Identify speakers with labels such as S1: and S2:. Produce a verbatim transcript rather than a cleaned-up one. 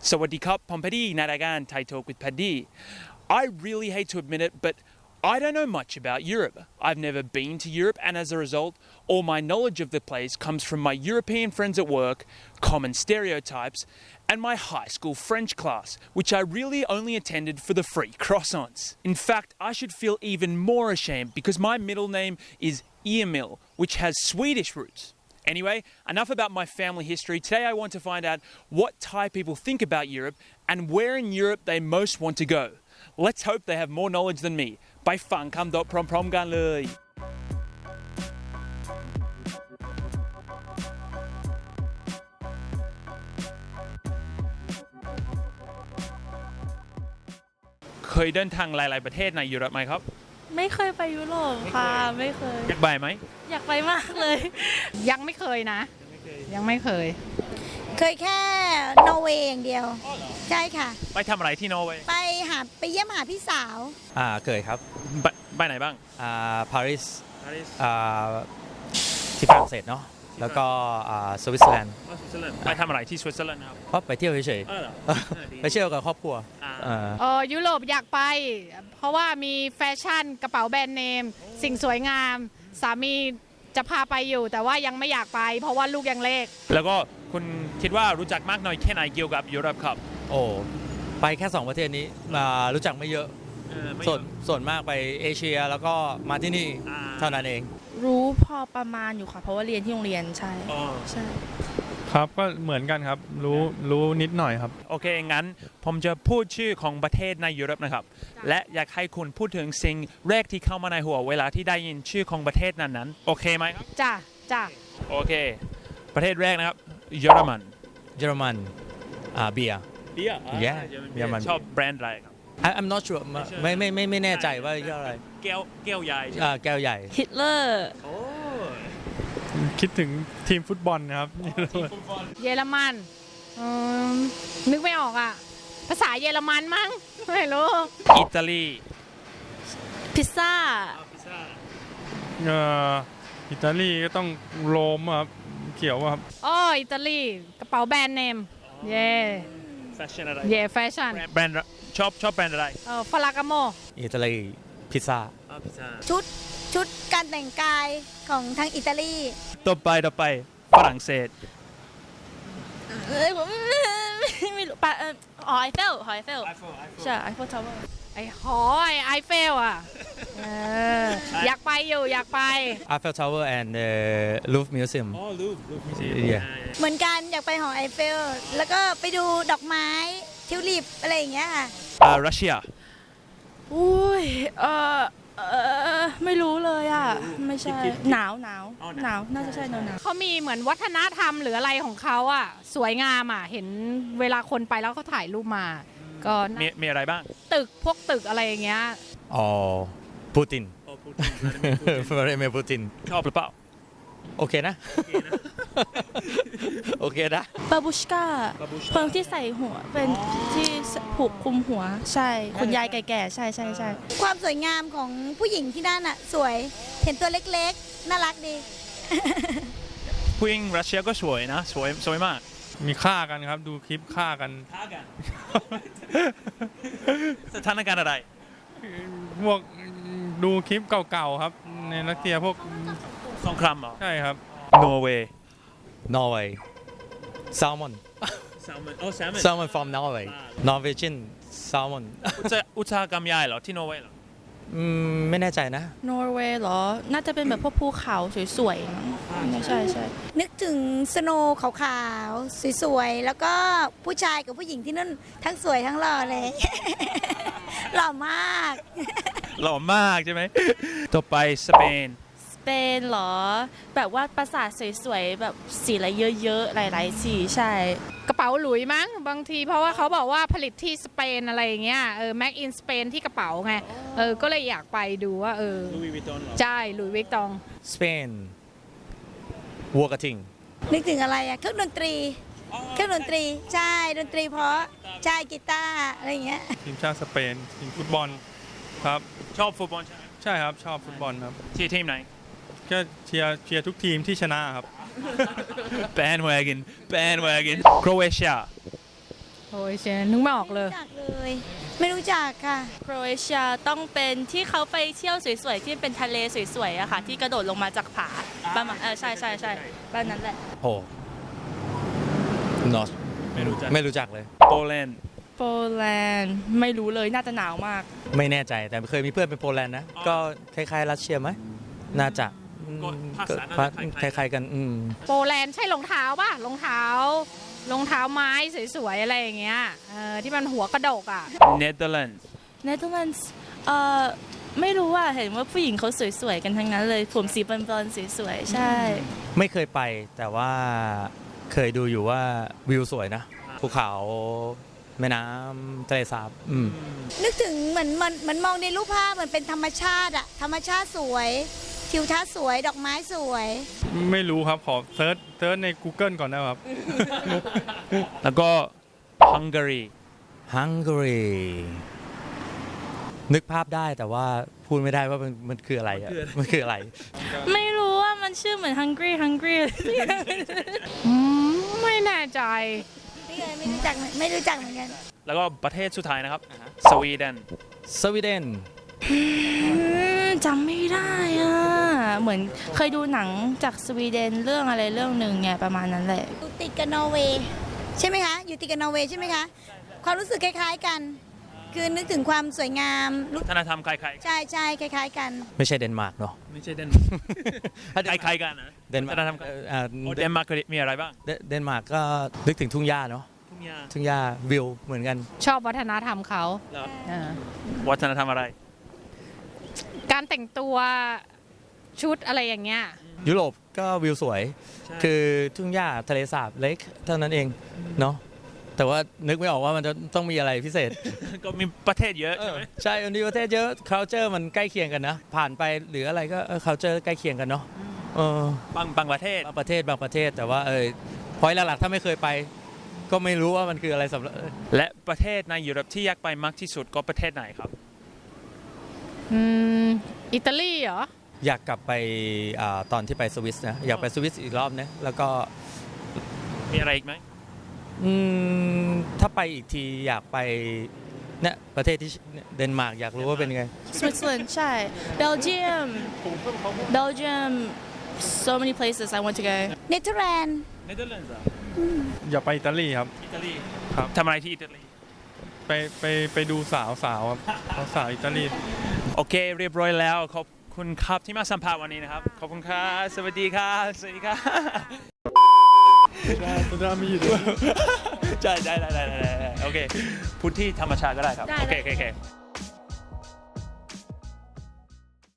S1: Sawadee Pom Paddy Nadagan Thai Talk with Paddy. I really hate to admit it, but I don't know much about Europe. I've never been to Europe, and as a result, all my knowledge of the place comes from my European friends at work, common stereotypes, and my high school French class, which I really only attended for the free croissants. In fact, I should feel even more ashamed because my middle name is Emil, which has Swedish roots. Anyway, enough about my family history. Today I want to find out what Thai people think about Europe and where in Europe they most want to go. Let's hope they have more knowledge than me. ไปฟังคำตอบพร้อมๆกันเลย เคยเดินทางหลายๆประเทศในยุโรปไหมครับ
S2: ไม่เคยไปยุโรปค่ะไม่เคย
S1: อยากไปไหม
S2: อยากไปมากเลยยังไม่เคยนะยังไม่เคย
S3: เคยแค่นอร์เวย์อย่างเดียวใช่ค่ะ
S1: ไปทำอะไรที่นอร์เวย์
S3: ไปหาไปเยี่ยมหาพี่สาว
S4: อ่าเคยครับ
S1: ไปไปไหนบ้าง
S4: อ่าปารีสอ่าที่ฝรั่งเศสเนาะแล้วก็อ่าสวิตเซอร์แลนด์
S1: ไปทำอะไรที่สวิตเซอร์แลนด์ครับ
S4: เพราะไปเที่ยวเฉยๆไปเที่ยวกับครอบครัว
S2: เออยุโรปอยากไปเพราะว่ามีแฟชั่นกระเป๋าแบรนด์เนมสิ่งสวยงามสามีจะพาไปอยู่แต่ว่ายังไม่อยากไปเพราะว่าลูกยังเล็ก
S1: แล้วก็คุณคิดว่ารู้จักมากน้อยแค่ไหนเกี่ยวกับยุโรปครับ
S4: โอ้ไปแค่สองประเทศนี้รู้จักไม่เยอะส่วนส่วนมากไปเอเชียแล้วก็มาที่นี่เท่านั้นเอง
S2: รู้พอประมาณอยู่ค่ะเพราะว่าเรียนที่โรงเรียนใช่ใช่
S5: ครับก็เหมือนกันครับรู้รู้นิดหน่อยครับ
S1: โอเคงั้นผมจะพูดชื่อของประเทศในยุโรปนะครับและอยากให้คุณพูดถึงสิ่งแรกที่เข้ามาในหัวเวลาที่ได้ยินชื่อของประเทศนั้นๆโอเคไหมครับ
S2: จ้ะจ้ะ
S1: โอเคประเทศแรกนะครับเยอรมัน
S4: เยอรมันอ่าเบียร์
S1: เบียร์
S4: เยอรมัน
S1: ชอบแบรนด์อะไรครับ
S4: I'm not sure ไม่ไม่ไม่ไม่แน่ใจว่าเรียกอะไร
S1: แก้วแก้วใหญ่
S4: อ่าแก้วใหญ่
S2: ฮิตเลอร์
S5: คิดถึงทีมฟุตบอลนะครับ
S2: เยอรมันนึกไม่ออกอ่ะภาษาเยอรมันมั้งไม่รู้
S1: อิตาลี
S2: พิซซ่า
S5: เอ่ออิตาลีก็ต้องโรมครับเขียวครับ
S2: อ๋ออิตาลีกระเป๋าแบรนด์เนมเย่
S1: แฟชั่นอะไร
S2: เย่แฟชั่น
S1: แบรนด์ชอบชอบแบรนด์อะไร
S2: เออฟลากาโม
S4: อิตาลีพิซซ่า
S3: ชุดชุดการแต่งกายของทางอิตาลี
S1: ต่อไปต่อไปฝรั่งเศส
S2: เอ้ยผมไม่รู้ปะอ๋อไอเฟลหอไอเฟลใช่ไอเฟลทาวเวอร์ไอหอไอเฟลอ่ะอยากไปอยู่อยากไป
S4: Eiffel Tower and the Louvre Museum
S1: อ๋อ Louvre Louvre Museum
S3: เหมือนกันอยากไปหอไอเฟลแล้วก็ไปดูดอกไม้ทิวลิปอะไรอย่างเงี้ยค่ะ
S1: อ่ารัสเซีย
S2: อุ้ยเออเออไม่รู้เลยอ่ะไม่ใช่หนาวหนาวหนาวน่าจะใช่หนาวหนาวเขามีเหมือนวัฒนธรรมหรืออะไรของเขาอ่ะสวยงามอ่ะเห็นเวลาคนไปแล้วเขาถ่ายรูปมาก็
S1: มีมีอะไรบ้าง
S2: ตึกพวกตึกอะไรอย่างเงี้ย
S4: อ๋อปูตินฟลาดิเมียร์ปูติน
S1: ชอบหรือเปล่า
S4: โอเคนะโอเคนะ
S2: บาบูชกาคนที่ใส่หัวเป็นที่ผูกคลุมหัวใช่คุณยายแก่ๆใช่ใช่ใช่
S3: ความสวยงามของผู้หญิงที่นั่นอ่ะสวยเห็นตัวเล็กๆน่ารักดี
S1: ผู้หญิงรัสเซียก็สวยนะสวยสวยมาก
S5: มีฆ่ากันครับดูคลิปฆ่ากัน
S1: ฆ่ากันสถานการณ์อะไร
S5: พวกดูคลิปเก่าๆครับในรัสเซียพวก
S1: สงครามเหรอ
S5: ใช่ครับ
S1: นอร์เวย์
S4: นอร์เวย์แซลมอน
S1: แซลมอนโอ้แซลมอน
S4: แซลมอน from Norway Norwegian salmon
S1: อุตสาหกรรมใหญ่เหรอที่นอร์เวย์เหรอ
S4: อืมไม่แน่ใจนะ
S2: นอร์เวย์เหรอน่าจะเป็นแบบพวกภูเขาสวยๆใช่ใช่
S3: นึกถึงสโนว์ขาวๆสวยๆแล้วก็ผู้ชายกับผู้หญิงที่นั่นทั้งสวยทั้งหล่อเลยหล่อมาก
S1: หล่อมากใช่ไหมต่อไปสเปน
S2: สเปนเหรอแบบว่าปราสาทสวยๆแบบสีอะไรเยอะๆหลายๆสีใช่กระเป๋าหลุยมั้งบางทีเพราะว่าเขาบอกว่าผลิตที่สเปนอะไรอย่างเงี้ยเออแม็กอินสเปนที่กระเป๋าไงเออก็เลยอยากไปดูว่าเออ
S1: ลุยวิตตอง
S2: ใช่ลุยวิตตอง
S4: สเปนวัวกระทิง
S3: นึกถึงอะไรอะเครื่องดนตรีเครื่องดนตรีใช่ดนตรีเพราะใช่กีตาร์อะไรอย่างเงี้ย
S5: ทีมชาติสเปนทีมฟุตบอลครับ
S1: ชอบฟุตบอลใช่ไหม
S5: ใช่ครับชอบฟุตบอลครับ
S1: ที่ทีมไหน
S5: ก็เชียร์เชียร์ทุกทีมที่ชนะครับ
S1: bandwagon bandwagon โครเอเชีย
S2: โอ้ยเชนนึกไม่ออกเลย
S3: รู้จักเลย ไม่รู้จักค่ะ
S6: โครเอเชียต้องเป็นที่เขาไปเที่ยวสวยๆ ที่เป็นทะเลสวยๆอะค่ะ ที่กระโดดลงมาจากผาบ้านเออใช่ใช่ใช่บ้านนั้นแหละ
S4: โห not
S1: ไม่รู้จัก
S4: ไม่รู้จักเลย
S1: โปแลนด์
S6: โปแลนด์ไม่รู้เลยน่าจะหนาวมาก
S4: ไม่แน่ใจแต่เคยมีเพื่อนเป็นโปแลนด์นะ ก็คล้ายๆรัสเซียไหมน่าจะอืม
S1: ก็ภาษาน่า
S4: ก็
S1: จะ
S4: คล้ายๆกันอืม
S2: โปแลนด์ใช่รองเท้าป่ะรองเท้ารองเท้าไม้สวยๆอะไรอย่างเงี้ยเออที่มันหัวกระดกอ่ะ
S1: เนเธอร์แลนด์
S6: เนเธอร์แลนด์เอ่อไม่รู้ว่าเห็นว่าผู้หญิงเขาสวยๆ กันทั้งนั้นเลย ผมสีบอลๆสวยๆ ใช่
S4: ไม่เคยไปแต่ว่าเคยดูอยู่ว่าวิวสวยนะภูเขาแม่น้ำทะเลสาบอืม
S3: นึกถึงเหมือนมันเหมือนมองในรูปภาพเหมือนเป็นธรรมชาติอะธรรมชาติสวย ทิวทัศน์สวย ดอกไม้สวย
S5: ไม่รู้ครับ ขอเซิร์ชเซิร์ชใน Google ก่อนนะครับ
S1: แล้วก็ฮังการี
S4: ฮังการีนึกภาพได้แต่ว่าพูดไม่ได้ว่ามันมันคืออะไรอะมันคืออะไร
S6: ไม่รู้ว่ามันชื่อเหมือน hungry hungry
S2: อืมไม่แน่ใจ
S3: ไม่เคยไม่รู้จักไม่รู้จักเหมือนกัน
S1: แล้วก็ประเทศสุดท้ายนะครับ สวีเดน
S4: สวีเดน
S6: อืมจำไม่ได้อ่ะ เหมือนเคยดูหนังจากสวีเดนเรื่องอะไรเรื่องหนึ่งไงประมาณนั้นแหละ
S3: อยู่ติดกับนอร์เวย์ใช่ไหมคะ อยู่ติดกับนอร์เวย์ใช่ไหมคะ ความรู้สึกคล้ายๆกัน คือนึกถึงความสวยงามรู้
S1: วัฒนธรรมคล้าย
S3: ใช่ใช่คล้ายๆกัน
S4: ไม่ใช่เดนมาร์กเนาะ
S1: ๆไม่ใช่เดนมาร์กคล้ายๆกันนะ
S4: เดนมา
S1: วัฒนธรรม
S4: ร์กเอ่ออ่า
S1: โอ้เดนมาร์กมีอะไรบ้าง
S4: เดเดนมาร์กก็นึกถึงทุ่งหญ้าเนาะ
S1: ทุ่งหญ้า
S4: ทุ่งหญ้าวิวเหมือนกัน
S2: ชอบวัฒนธรรมเขา
S1: แล้ว
S2: เออ
S1: วัฒนธรรมอะไร
S2: การแต่งตัวชุดอะไรอย่างเงี้ย
S4: ยุโรปก็วิวสวย
S1: ใช่
S4: คือทุ่งหญ้าทะเลสาบเล็กเท่านั้นเองเนาะแต่ว่านึกไม่ออกว่ามันจะต้องมีอะไรพิเศษ
S1: ก็มีประเทศเยอะใช่ไหม
S4: ใช่อันนี้ประเทศเยอะ culture มันใกล้เคียงกันนะ ผ่านไปหรืออะไรก็เออ culture ใกล้เคียงกันเนาะเออบ
S1: างบางประเทศ
S4: บางประเทศบางประเทศแต่ว่าเออพอยหลักๆถ้าไม่เคยไป ก็ไม่รู้ว่ามันคืออะไรสำหรับ
S1: และประเทศในยุโรปที่อยากไปมากที่สุดก็ประเทศไหนครับ
S2: อืมอิตาลีเหรอ
S4: อยากกลับไปอาตอนที่ไปสวิสนะอยากไปสวิสอีกรอบนะแล้วก็
S1: มีอะไรอีกไหม
S4: อืมถ้าไปอีกทีอยากไปเนี่ยประเทศที่เนี่ยเดนมาร์กอยากรู้ว่าเป็นไง
S6: Switzerland ใช่ Belgium Belgium so many places I want to go
S3: เนเธอร์แลนด์
S1: เนเธอร์แลนด์
S5: อย่าไปอิตาลีครับ
S1: อิตาลี
S5: ครับ
S1: ทำอะไรที่อิตาลี
S5: ไปไปไปดูสาวสาวครับสาวอิตาลี
S1: โอเคเรียบร้อยแล้วขอบคุณครับที่มาสัมภาษณ์วันนี้นะครับ ขอบคุณครับสวัสดีครับสวัสดีครับ
S5: สุดามีอยู่ด้วย
S1: ใช่ได้ได้ได้ได้โอเคพูดที่ธรรมชาติก็ได้ครับ
S6: ได้
S1: โอเค
S6: ได้
S1: โอเคโอเค